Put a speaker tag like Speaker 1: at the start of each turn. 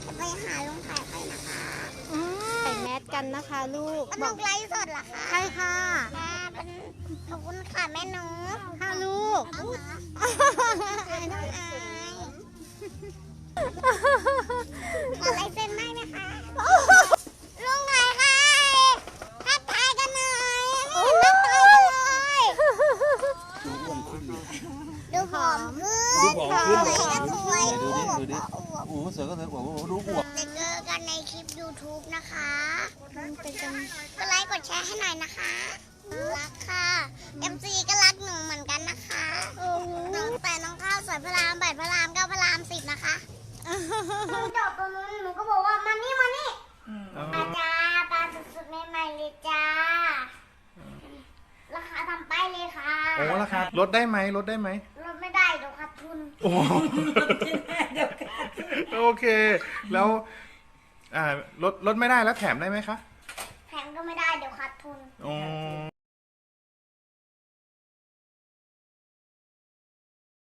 Speaker 1: จะไปหาลุงไข่ไปนะคะ
Speaker 2: ใส่แมสกันนะคะลูก
Speaker 1: ลุงไลฟ์สดเหรอคะ
Speaker 2: ใช่ค่ะ
Speaker 1: เป็นขอบคุณค่ะแม่หนู
Speaker 2: ค่ะลูก
Speaker 1: น้องอายขอลายเซ็นได้ไหมคะลุงไข่ค่ะทักทายกันหน่อยไม่เห็นทักทายกันเลย ดูผอมขึ้น
Speaker 3: ดูผอมขึ้น
Speaker 1: สวยก็สวย
Speaker 3: ดูดิ
Speaker 1: อวบ
Speaker 3: ดูดิ
Speaker 1: ก็อวบ
Speaker 3: โอ้โหเสือก็เสือโอ้โหดูอวบ
Speaker 1: จะเจอกันในคลิป YouTube นะคะกดไลค์กดแชร์ให้หน่อยนะคะรักค่ะ MC ก็รักหนูเหมือนกันนะคะแต่น้องข้าวสวยพระราม8พระราม9พระราม10นะคะจอดตรงนู้นหนูก็บอกว่ามานี่อาจารย์ปลาสุดๆใหม่ๆเลยจ้าราคาทำป้ายเลยค่ะ
Speaker 3: โอ้ราคาลดได้ไหมลดได้ไหม
Speaker 1: ลดไม่ได้เดี๋ยวขาดทุน
Speaker 3: โอ้โอเค แล้วลดไม่ได้แล้วแถมได้ไหมคะ
Speaker 1: แถมก็ไม่ได้เดี๋ยวขาดทุน
Speaker 3: โอ้